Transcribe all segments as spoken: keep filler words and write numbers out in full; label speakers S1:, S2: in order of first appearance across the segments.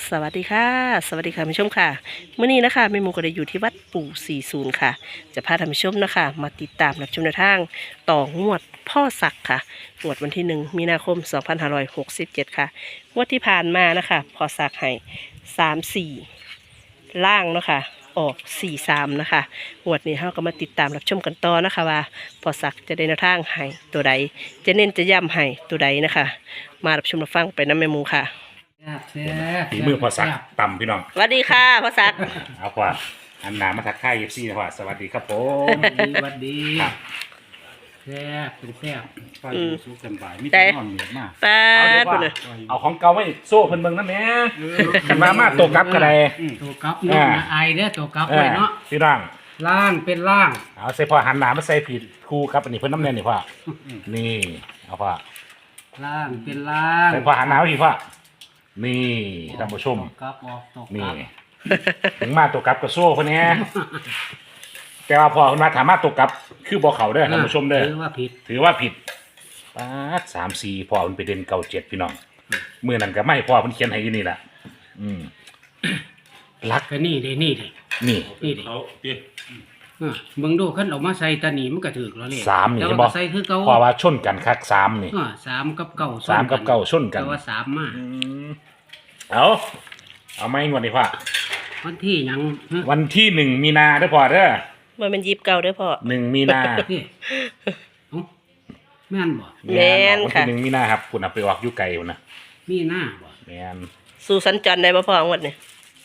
S1: สวัสดีค่ะสวัสดีค่ะท่านผู้ชมค่ะเมื่อนี้นะคะแม่หมูก็ได้อยู่ที่วัดปู่สี่สิบค่ะจะพาท่านผู้ชมนะคะมาติดตามรับชมแนวทางต่องวดพ่อศักดิ์ค่ะงวดวันที่หนึ่งมีนาคมสองพันห้าร้อยหกสิบเจ็ดค่ะงวดที่ผ่านมานะคะพ่อศักดิ์ให้สามสี่ล่างเนาะค่ะออกสี่สามนะคะงวดนี้เราก็มาติดตามรับชมกันต่อนะคะว่าพ่อศักดิ์จะได้แนวทางให้ตัวใดจะเน้นจะย้ำให้ตัวใดนะคะมารับชมรับฟังไปน้ำแม่หมูค่ะ
S2: ฝีมือพอสักต่ำพี่น้อง
S1: สวัสดีค่ะพ่อศักดิ์
S2: เอากว่าอันนามาทักทายเอฟซีนะว่าสวัสดีครับผม
S3: สวัสดีสวัสดีแซ่บเป็นแซ่บ
S2: ก็อยู่สู้กันบ่ายไม่ต้องนอนเหนื่อยมาก
S1: ป้า
S2: เอาเดี๋ยว
S1: คุ
S2: ว่า
S1: ณเลย
S2: เอาของเก่าไว้โซ่เพิ่นเบิ่งนะแม่กันมามาตัวกลับกันเลย
S3: ตัวกับเนาะไอเด้อตัวกับไว้เนาะ
S2: พี่น้อง
S3: ล่างเป็นล่าง
S2: เอาใส่พอหันหน้ามาใส่ผิดคู่ครับอันนี้เพิ่นน้ำแน่นนี่พ่อนี่เอาพ่อ
S3: ล่างเป็นล่าง
S2: ใส่พอหันหน้ามาผิดพ่อนี่ท่านผู้ชม
S3: ตัวกับออกตัว
S2: นี่
S3: กับ
S2: ถึงมาตัวกลับก็โซ่เพิ่นแน่แต่ว่าพอเพิ่นมาถามมาตัวกลับคือบ่เข้าเด้อท่านผู้ชมเด้อ
S3: ถือว่าผิด
S2: ถือว่าผิดป๊าดสามสี่พ่อมันไปเด่นเก่าเจ็ดพี่น้องเมื่อนั้นก็ไม่พ่อมันเขียนให้อยู่นี่แหละอืมรัก
S3: ก็นี่เด้นี่เด้
S2: นี่
S3: นี่เด้เออมึงดูขั้นออกมาใส่ตาหนีมันก็ถือแล้วเลย
S2: สามนี่
S3: แต่
S2: ใช่
S3: ว่า
S2: บ่
S3: ใส่คือเก่า
S2: พ่อว่าชนกันคักสามนี่
S3: เออสามกับเก่า
S2: สามกับเก่าชนกัน
S3: แต่ว่าสามมา
S2: อืมเอาเอาไม่งวดนี้พ่อ
S3: วันที่หยังฮะ
S2: วันที่หนึ่งมีนาเด้อพ่อเด้อ
S1: มันเป็นยิบเก่าเด้อพ่อ
S2: หนึ่งมีนา
S3: นี่เอ้าแม่นบ่
S1: แม่น
S2: วัน
S1: ค่ะ
S2: ที่หนึ่งมีนาครับคุณเอาไปออกอยู่ไกลอยู่นะ
S3: มีหน้าบ่
S2: แม่น
S1: สู่สัญจรได้บ่พ่องวดนี่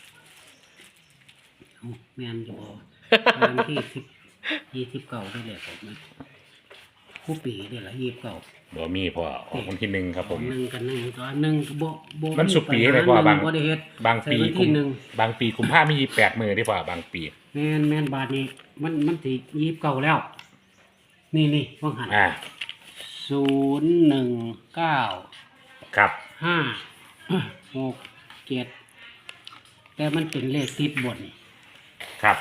S3: เอ้าแม่นอยู่บ่วันที่สิบยี่สิบเก้าได้เลยผมนะคู่ปีเดี๋ยวละยี่สิบเก้า
S2: บ่มีพ่อออกวันที่หนึ่งครับผม
S3: หนึ่งกันหนึ่งตัวหนึ่งก็บ่บ่
S2: มันสุกปีอะไรพ่อบาง
S3: บ่ได้เฮ็ด
S2: บางปี
S3: ใส่วัน
S2: กุ
S3: ที่
S2: ม
S3: หนึ่ง
S2: บางปีกุมภามีแปดมือได้พ่อบางปี
S3: แม่นแม่นบาทนี้มันมันสิยี่สิบเก้าแล้ว นี่นี่ว่างหัน
S2: อ่า
S3: ศูนย์หนึ่งเก้า
S2: ครับ
S3: ห้าหกเจ็ดแต่มันเป็นเลขติดบน
S2: ครับ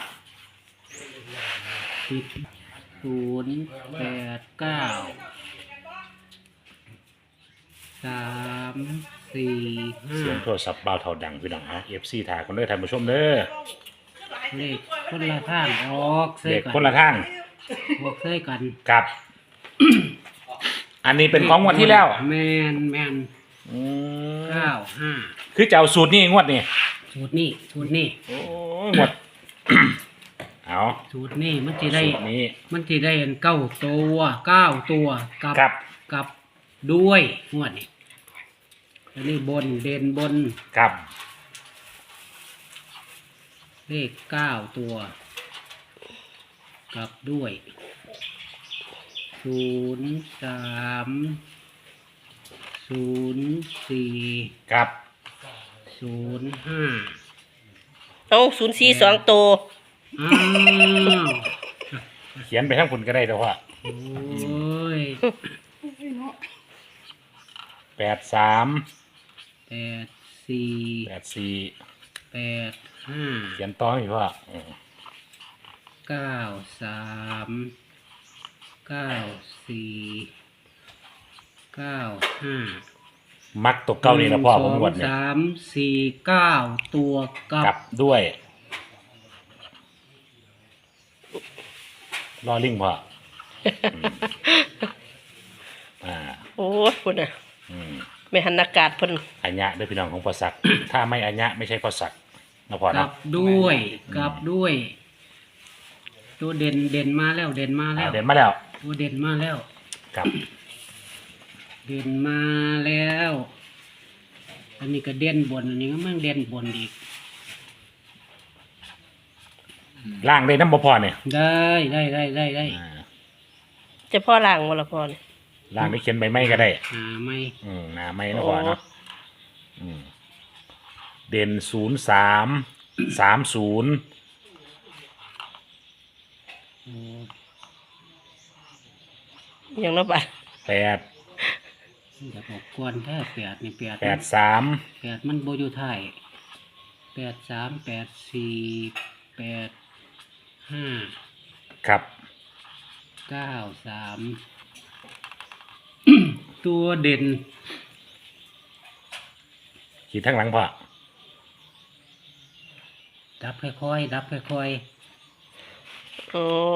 S3: ติดศูนย์แปดเก้าสามสี่ห้า
S2: เสียงโทรศัพท์เบาเท่าดังพี่น้องเอาเอฟซีถ่ายคนเด้อท่านผู้ชมเด้อ
S3: เลขคนละทางออกเส้
S2: เด็ก
S3: กัน
S2: คนละทาง
S3: ออกเส้กัน
S2: ครับ อันนี้เป็นของงวดที่แล้ว
S3: แมนแมน
S2: อืม
S3: เก้าห้า
S2: คือจะเอาสูตรนี้งวดนี้
S3: สูตรนี้สูตรนี้
S2: โอ้ยงวด เอา
S3: สูตรนี้มันจะได้
S2: สูตรนี้
S3: มันจะได้เก้าตัวเก้าตัวกับ
S2: ครับ
S3: กับด้วยงวดนี้อันนี้บนเด่นบน
S2: ครับ
S3: เลขเก้าตัวกับด้วยศูนย์สามศูนย์สี่
S2: ครับ
S3: ศูนย์ห้า
S1: เอาศูนย์สี่สองตัว
S3: อ้าว
S2: เขียนไปทั้งคุณก็ได้แต่ว่า
S3: โอ้ย
S2: แปดสาม
S3: แปดสี่
S2: แปดสี่
S3: แปดห้า
S2: เขียนต่ออีกว่าอืม
S3: เก้าสามเก้าสี่เก้าห้า
S2: มักตกเก้านี่นะพ่อผมงวด
S3: ส
S2: เนี่ย
S3: สามสี่เก้าตัวกับ
S2: กลับด้วยรอลิงพ่ออืมอ่า
S1: โอ้ยคุณน่ะ
S2: อืม
S1: ไม่หันอากาศเพิ่น
S2: อัญญะด้วยพี่น้องของพอสัก ถ้าไม่อัญญะไม่ใช่พอสักนะพ่อ
S3: กั
S2: เนาะ
S3: บด้วยกับด้วย ตัวเด่นเด่นมาแล้วเด่นมา
S2: อ่า
S3: แล้ว
S2: เด่นมาแล้ว
S3: ตัวเด่นมาแล้ว
S2: ครับ
S3: เด่นมาแล้ว อันนี้ก็เด่นบนอันนี้ก็มันเด่นบนอีก
S2: ล่างได้น้ำบ่พอเนี่ย
S3: ได้ได้ได้ได้ได้
S2: อ่า
S1: จะพ่อล่างบ่ล่ะพ่อนี่
S2: ล่างได้เขียนใบไม้ก็ได้
S3: หาไม่
S2: อืมหนาไม้นะพ่อเนาะอืมเด่นศูนย์สามสามศูนย์
S3: โอ้
S1: อย่างละบาท
S2: แปด
S3: อยากบอกกวนแท้แปดนี่แปด
S2: แปดสาม
S3: แปดมันโบอยู่ไทายแปดสามแปดสี่แปดห้า
S2: ครับ
S3: เก้าสาม ตัวเด่น
S2: ขีดทั้งหลังพ่อ
S3: ดับค่อยๆดับค่อย
S1: โอ้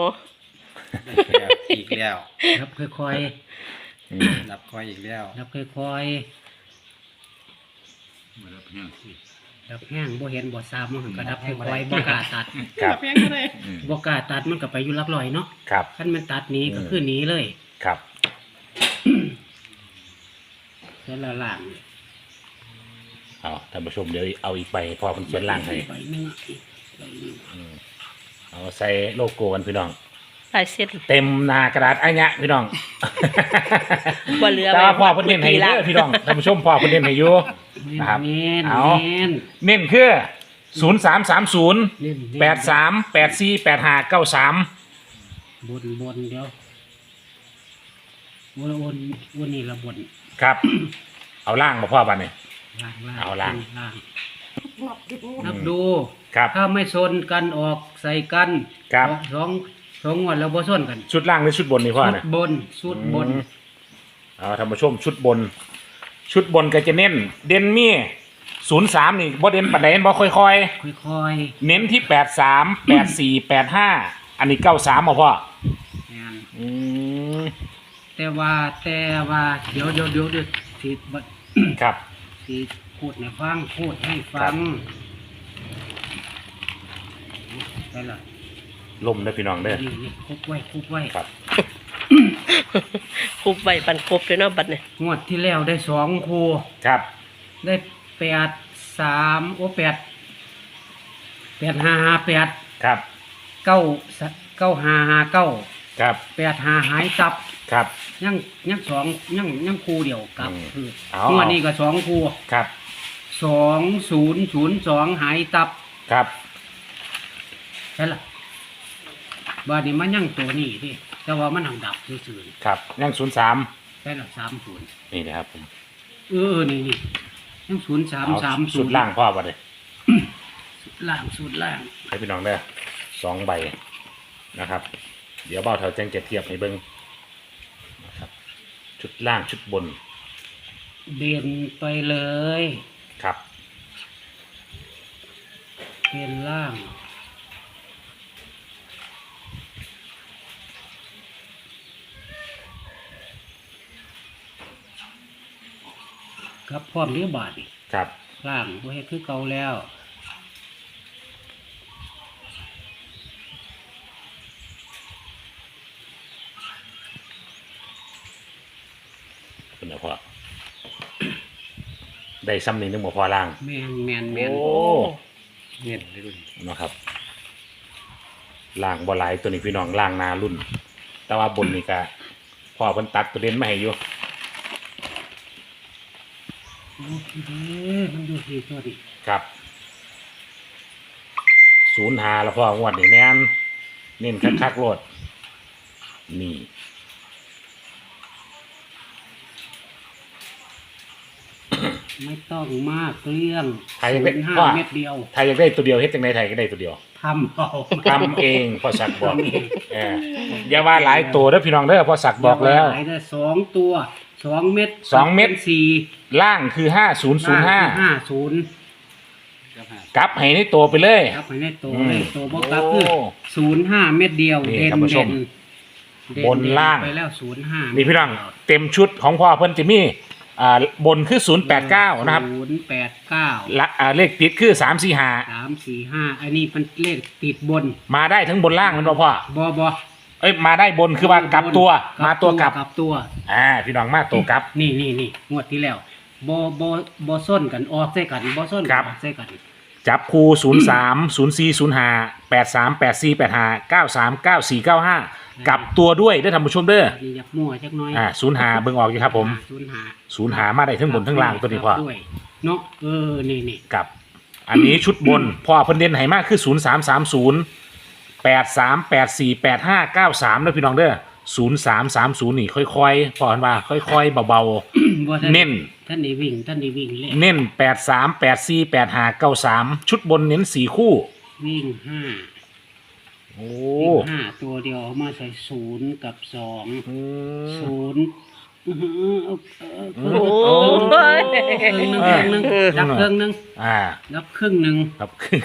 S4: อีกแล้ว
S3: ๆดับค่อย
S2: อืม
S4: ดับคอยอีกแล้ว
S3: ๆดับค่อยๆดับแห้งบ่เห็นบ่ทราบมันก็ดับค่อยๆบ่กล้าตัด
S2: ครับ
S4: อืม
S3: บ่กล้าตัดมันก็ไปอยู่หลักร้อยเนาะ
S2: ครับ
S3: คันมันตัดหนี้ก็คือหนีเลย
S2: ครับ
S3: แต่ละล่าง
S2: เอาท่านผู้ชมเดี๋ยวเอาอีกใบพอมันเขียนล่างให้
S3: ใบหนึงอะอีกใบหนึ่ง
S2: เอาใส่โลโก้กันพี่น้อง
S1: ลายเส้น
S2: เต็มหนากระดาษอันเนี้ยพี่น้อง
S1: บ่เหลือ
S2: แต่ว่า
S1: ไว้
S2: พ่อเพิ่นเน้นให้เด้อพี่น้องท่านผู้ชมพ่อเพิ่นเน้นให้อยู่ นะครับ
S3: เน้น
S2: เอา
S3: เน้น
S2: เน้นคือศูนย์สามสามศูนย์
S3: เน้นเน้น
S2: แปดสามแปดสี่แปดห้าเก้าสาม
S3: บนบนเดี๋ยววนวนวนนี่ละบน
S2: ครับ เอาล่างมาพ่อบันนี่
S3: ล่างล่าง
S2: เอาล่าง
S3: ล่างนับดู
S2: ครับ
S3: ถ้าไม่ชนกันออกใส่กัน
S2: ครับ
S3: ออกสองสองงวดแล้วบ่ชนกัน
S2: ชุดล่างหรือชุดบนนี่พ่อ
S3: สุด
S2: นะ
S3: บนสุดบน
S2: อืมเอาท่านผู้ชมชุดบน ชุดบนก็จะเน้น เด่นมีศูนย์สามนี่บ่เด่นปานใดบ่ค่อย
S3: ค่อย
S2: ๆ เน้นที่แปดสามแปดสี่แปดห้าอันนี้เก้าสามมาพ่อ
S3: ๆงาน
S2: อืม
S3: แต่ว่าแต่ว่าเดี๋ยวเดี๋ยวเดี๋ยวเดี๋ยวสิบัด
S2: ครับ
S3: สิพูดให้ฟังพูดให้ฟั
S2: ครั
S3: ง
S2: บ
S3: ได้ละ
S2: ลมเด้อพี่น้องเด้อ
S3: นี่นี่คุบไว้คุบไว้
S2: ครับ
S1: คุบใบปันครบเลยเนาะบัดเนี่ย
S3: งวดที่แล้วได้สองคู่
S2: ครับ
S3: ได้แปดสามโอ้แปดแปดห้าห้าแปด
S2: ครับ
S3: เก้าเก้าห้าห้าเก้า
S2: ครับ
S3: แปดห้าหายตับ
S2: ครับ
S3: ยังยังสองยังยังคู่เดียวกับ
S2: อืม
S3: คือ
S2: เอา
S3: งวดนี้ก็สองคู่
S2: ครับ
S3: สองศูนย์ศูนย์สองหายตับ
S2: ครับ
S3: ใช่ละบ้านนี้มันยังตัวนี้ดิแต่ว่ามันหังดับซื่อ
S2: ครับยังศูนย์สาม
S3: ๆใช่ละสามศูนย์
S2: นี่นะครับผม
S3: เออนี่นี่ยังศูนย์สาม
S2: เอา
S3: สามศู
S2: สุ
S3: น
S2: ด
S3: ย์
S2: ล่างพ่อมาเลย
S3: ล่างสุดล่าง
S2: ให้พี่น้องได้สองใบนะครับ เดี๋ยวเบาเท่าแจ้งจะเทียบให้เบิ้งนะครับ ชุดล่างชุดบน
S3: เด่นไปเลย
S2: ครับ
S3: เป็นล่างครับพร้อมเรียบบาทนี่
S2: ครับ
S3: ล่างบ่เฮ็ดคือเก่าแล้ว
S2: คุณนะพ่อ ได้ซ้ำหนึ่งนึงบ่พอล่าง
S3: แมนแมนแมน
S2: โอ้
S1: โอ้
S4: เน้นเลยรุ่น
S2: นะครับ ล่างบ่หลายตัวนี้พี่น้องล่างหนารุ่น แต่ว่าบนนี่ก็พ่อเพิ่นตัดตัวเด่นมาให้อยู่
S3: โอ้ยเด้อมันอยู่ที่ตัวดิ
S2: ครับศูนย์หาแล้วพ่องวดนี่แม่นเน้นคักๆโลดนี่
S3: ไม่ต้องมากเรื่อง
S2: ไทยไม่
S3: ศูนย์ห้า
S2: ว่า
S3: เม็ดเดียว
S2: ไทยอยากได้ตัวเดียวเฮ็ดจังไดไทยก็ได้ตัวเดียว
S3: ทำเอา
S2: ทำเองพ่อสักบอกเอออย่าว่าหลายตัวเด้อพี่น้องเด้อพ่อสักบอกแล้ว
S3: หายได้สองตัวสองเม็ด
S2: สองเม็ด
S3: สี่
S2: ล่างคือห้าศูนย์ศูนย์ห้า
S3: ห้าศูนย์
S4: ก็หาก
S2: ลับให้ในตัวไปเลย
S3: ครับให้ได้ตัว
S2: อืม
S3: เลยตัวบอกครับคือ
S2: โอ้
S3: ศูนย์ห้าเม็ดเดียว
S2: นี่
S3: เด่น
S2: ท่านผู้ช
S3: เด่
S2: ม
S3: นเด่น
S2: บนล่าง
S3: ไปแล้วศูนย์ห้า
S2: นี่พี่น้องเต็มชุดของพ่อเพิ่นจะมีอ่าบนคือศูนย์แปดเก้านะครับ
S3: ศูนย์แปดเก้า
S2: ละอ่าเลขติดคือสามสี่ห้า
S3: สามสี่ห้าอันนี้มันเลขติดบน
S2: มาได้ทั้งบนล่างมันบ่พ่อบ
S3: อบอ
S2: เอ้ยมาได้บนคือว่ากลับตัว มาตัวกลับ
S3: กลับตัว
S2: อ่าพี่น้องมาตัวกลับ
S3: นี่นี่นี่งวดที่แล้วบอบอบอส้นกันออกใส่กันบอส้น
S2: ค
S3: กั
S2: รั
S3: น
S2: บ
S3: ออกใส่กัน
S2: จับคู่ศูนย์สามศูนย์สี่ศูนย์ห้าแปดสามแปดสี่แปดห้าเก้าสามเก้าสี่เก้าห้ากลับตัวด้วยได้อท่านผู้ชมเด้อ
S3: นี่อยากมั่วจักหน้อย
S2: อ่าศูนย์หาเบิ่งออกอยู่ครับผม
S3: ศูนย์หา
S2: ศูนย์หามาได้ทั้งบนทั้งล่างตัวนี้พ่อ
S3: ด้วยเนาะเออนี่นี่
S2: กับ อันนี้ชุดบน พ่อเพิ่นเด่นให้มากคือศูนย์สามสามศูนย์แปดสามแปดสี่แปดห้าเก้าสามนะพี่น้องเด้อศูนย์สามสามศูนย์นี่ค่อยๆพ่อเพิ่นว่าค่อยๆเบา
S3: บ่ท่า
S2: เน้น
S3: ท่านได้วิ่งท่านได้วิ่งเลย
S2: ๆ เน้นแปดสามแปดสี่แปดห้าเก้าสามชุดบนเน้นสี่คู่
S3: วิ่งห้า
S2: โอ้
S3: วิ่งห้าตัวเดียวเอามาใส่ศูนย์กับสอง
S2: อืม
S3: ศูนย์อื้อหือเอาเอา
S1: โอ้
S3: เอา
S1: ย
S3: เครื่องหนึงเครื่องหนึงดับเครื่องหนึง
S2: อ่า
S3: ดับครึ่งหนึง
S2: ครับครึ่ง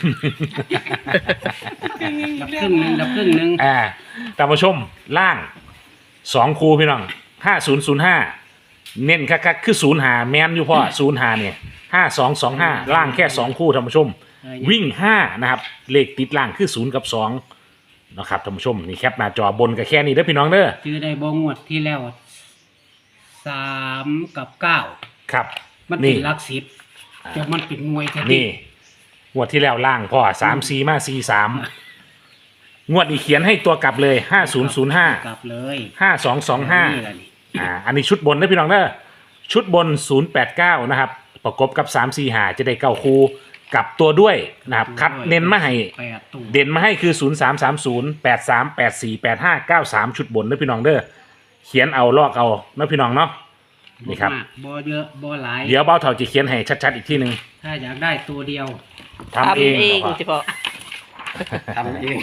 S3: ดับครึ่งหนึงดับครึ่งหนึง
S2: อ่าตามผู้ชมล่างสองคูพี่น้องห้าศูนย์ศูนย์ห้าเน้นคักๆคือศูนย์หาแมนอยู่พ่อศูนย์หาเนี่ยห้าสองสองห้าล่างแค่สองคู่ท่านผู้ชม วิ่งห้านะครับเลขติดล่างคือศูนย์กับสองนะครับท่านผู้ชมนี่แคปหน้าจอบนกับแค่นี้เด้อพี่น้องเด้อ
S3: ชื่อได้บ่งวดที่แล้วสามกับเก้า
S2: ครับ
S3: มันเป็
S2: นี่
S3: นหลักสิบแต่มันเป็นหน่วยแท้
S2: นี่งวดที่แล้วล่างพ่อสามสี่มาสี่สามงวดนี้เขียนให้ตัวกลับเลยห้าศูนย์ศูนย์ห้าก
S3: ลับเลย
S2: ห้าสองสองห้า
S3: นี่แหละนี่
S2: อ่าอันนี้ชุดบนนะพี่น้องเด้อชุดบนศูนย์แปดเก้านะครับประกบกับสามสี่หาจะได้เก้าคูกลับตัวด้วยนะครับคัดเน้นมาให้
S3: แปดตัว
S2: เด่นมาให้คือศูนย์สามสามศูนย์แปดสามแปดสี่แปดห้าเก้าสามชุดบนนะพี่น้องเด้อเขียนเอาลอกเอานะพี่น้องเนาะนี่ครับ
S3: มากบ่เยอะบ่หลาย
S2: เดี๋ยวเบ้าเถาจะเขียนให้ชัดๆอีกทีหนึ่ง
S3: ถ้าอยากได้ตัวเดียว
S2: ทำเอง
S1: ทำเฉพาะ
S4: ทำเอง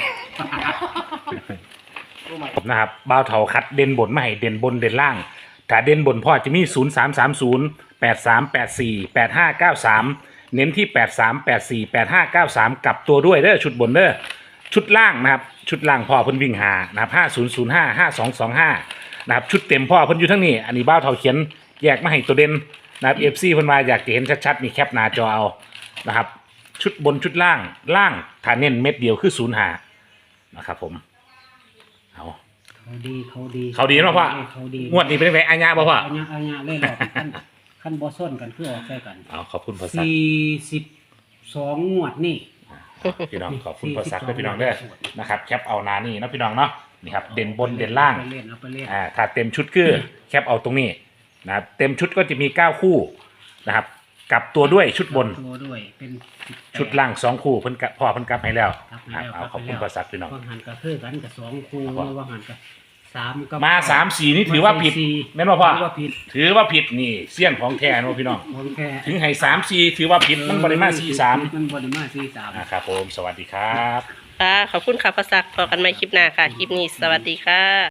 S2: นะครับเบ้าเถาคัดเด่นบนมาให้เด่นบนเด่นล่างถ้าเด่นบนพ่อจะมีศูนย์สามสามศูนย์แปดสามแปดสี่แปดห้าเก้าสามเน้นที่แปดสามแปดสี่แปดห้าเก้าสามกลับตัวด้วยเด้อชุดบนเด้อชุดล่างนะครับชุดล่างพ่อเพิ่นวิ่งหานะครับห้าศูนย์ศูนย์ห้าห้าสองสองห้านะครับชุดเต็มพ่อเพิ่นอยู่ทั้งนี้อันนี้เบ้าเถาเขียนแยกมาให้ตัวเด่นนะครับเอฟซีเพิ่นมาอยากจะเห็นชัดๆนี่แคปหน้าจอเอานะครับชุดบนชุดล่างล่างถ้าเน้นเม็ดเดียวคือศูนย์หานะครับผมเอา
S3: เขาดีเขาดี
S2: เขาดีเนาะพ่อ
S3: เขาดี
S2: งวดนี้เป็นไงอาญาบ่พ่อ
S3: เอาญะเอาญะเลยหรอกขั้นขั้นบ่ส้นกันคือออกใส่กัน
S2: เอาขอบคุณพ่อซัก
S3: สี่สิบสองงวดนี่
S2: พี่น้องขอบคุณพ่อซักด้วยพี่น้องเด้อนะครับแคปเอานานี่เนาะพี่น้องเนาะนี่ครับเด่นบนเด่นล่าง
S3: ไปเล่นเอาไปเล่น
S2: อ่าถ้าเต็มชุดคือแคปเอาตรงนี้นะครับเต็มชุดก็จะมีเก้าคู่นะครับกลับตัวด้วยชุดบน
S3: ตัวด้วยเป็นสิบแป
S2: ชุดล่างสองคู่เพิ่นกะพ่อเพิ่นกลับให้แล้ว
S3: ครับ
S2: ครับ
S3: แล้ว
S2: เอาขอบคุณ
S3: แล้ว
S2: พ่อซักพี่น้อง
S3: ว่างหันก็คือกันกับสองคู่
S2: ครับ
S3: ว่างหันกับสามกับ
S2: มาสามสี่นี่ถือว่าผิด
S3: สี่
S2: แม่นบ่พ่อ
S3: ถือว่าผิด
S2: ถือว่าผิดนี่เสี้ยนของแท้เนาะพี่น้อง
S3: ผมแค่
S2: ถึงให้สามสี่ถือว่าผิดมันบริมาสี่สาม
S3: มันบริมาสี่สาม
S2: อ่าครับผมสวัสดีครับ
S1: ค่ะขอบคุณค่ะพระศักดิ์พอกันใหม่คลิปหน้าค่ะ คลิปนี้สวัสดีค่ะ